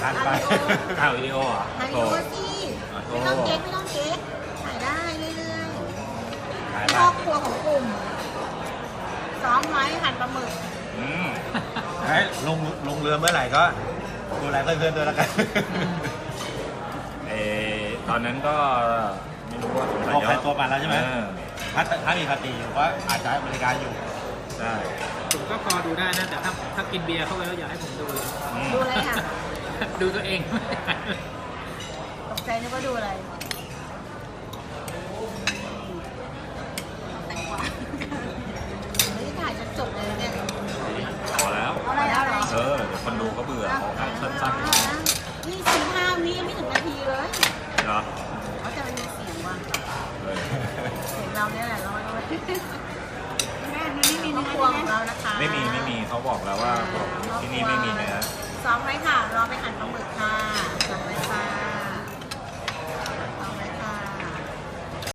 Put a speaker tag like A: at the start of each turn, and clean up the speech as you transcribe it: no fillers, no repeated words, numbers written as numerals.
A: ทันไป
B: ถ่ายวิดีโอเหรอ
C: ถ่ายวิดีโอสิไม่ต้องเก๊กถ่ายได้เรื่อยๆครอบครัวของกลุ่มซ้อมไว้หั่นปลาหมึก
A: ให้ลงเรือเมื่อไหร่ก็ดูแลเพื่อนๆด้วยแล้วกัน
B: ตอนนั้นก็ไม่รู้ว่า
A: ออกไปตัวมันแล้วใช่ไหม
B: เออ
A: ถ้ามีปาร์ตี้อยู่ก็อาจจะบริการอยู่
B: ใช่
D: ผมก็พอดูได้นะแต่ถ้ากินเบียร์เข้าไปแล้วอย่าให้ผมดูเลย
C: ดูอะไรค่ะ
D: ดูตัวเอง
C: ตกใจนึกว่าดูอะไรแต่งกว่าไม่ได้ถ่ายจนจบเลยเนี่ย
B: พอแล้ว
C: เอาอะไรเอาอะไร
B: เดี๋ยวคนดูเขาเบื่อเขาให้สั้น
C: นี่15 วิยังไม่ถึงนาทีเลย
B: ๆเหรอ
C: เขาจะมีเสียงว่ะ
B: เออ
C: เสียงเราเนี่ยแหละเราแม่นี่มีเนื้อครัวของเรานะคะ
B: ไม่มีเขาบอกแล้วว่าที่นี่ไม่มีเนื้อ
C: ซ้อมไว้ค่ะ รอไป